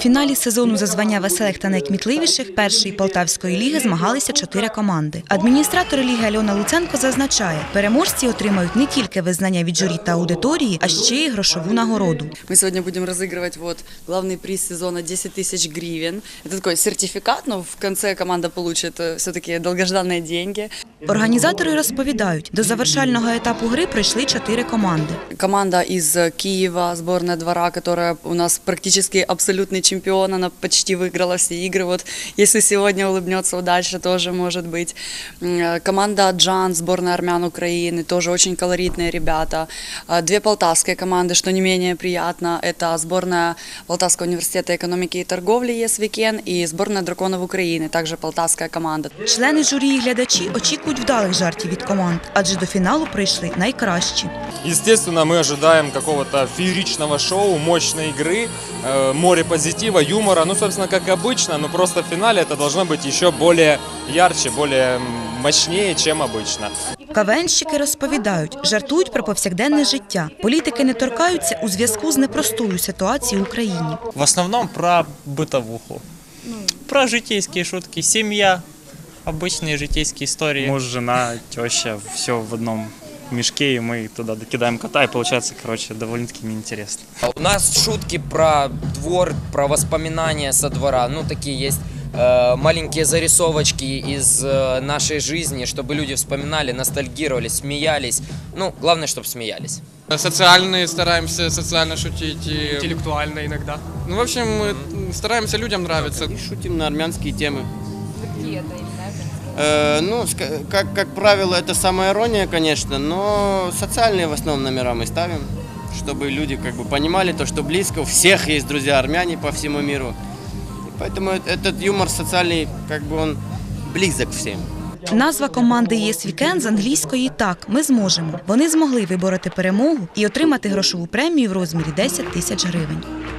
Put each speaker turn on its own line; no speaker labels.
фіналі сезону за звання веселих та найкмітливіших першої Полтавської ліги змагалися 4 команди. Адміністратор ліги Альона Луценко зазначає, переможці отримають не тільки визнання від журі та аудиторії, а ще й грошову нагороду.
Ми сьогодні будемо розігрувати головний приз сезону 10 тисяч гривень. Це такий сертифікат, але в кінці команда отримає все-таки довгождані гроші.
Організатори розповідають, до завершального етапу гри прийшли 4 команди.
Команда із Києва, збірна двора, яка у нас практично абсолютный чемпион, она почти выиграла все игры. Вот если сегодня улыбнется удача, тоже может быть. Команда Джан, сборная армян Украины, тоже очень колоритные ребята. 2 полтавские команды, что не менее приятно, это сборная Полтавского университета экономики и торговли ЕСВИКЕН и сборная драконов Украины, также полтавская команда.
Члени журі і глядачі очікують вдалих жартів від команд, адже до фіналу прийшли найкращі.
Естественно, мы ожидаем какого-то фееричного шоу, мощной игры, море позитива, юмора. Ну, собственно, как обычно, но просто в финале это должно быть еще более ярче, более мощнее, чем обычно.
КВНщики розповідають, жартують про повсякденне життя. Політики не торкаються у зв'язку з непростою ситуацією в Україні.
В основном про бытовуху, про житейские шутки, семья, обычные житейские истории. Муж, жена, теща, все в одном мешке, и мы туда докидаем кота, и получается, короче, довольно-таки неинтересно.
У нас шутки про двор, про воспоминания со двора, ну такие есть маленькие зарисовочки из нашей жизни, чтобы люди вспоминали, ностальгировали, смеялись. Ну, главное, чтобы смеялись.
Социальные, стараемся социально шутить, интеллектуально иногда. Ну, в общем, мы стараемся людям нравиться.
И шутим на армянские темы. Какие это именно? Ну, как правило, это самая ирония, конечно, но социальные в основном номера мы ставим, чтобы люди как бы понимали то, что близко, у всех есть друзья армяне по всему миру. И поэтому этот юмор социальный, как бы он близок всем.
Назва команди ЄСВІКЕН з англійської «Так, ми зможемо». Вони змогли вибороти перемогу і отримати грошову премію в розмірі 10 тисяч гривень.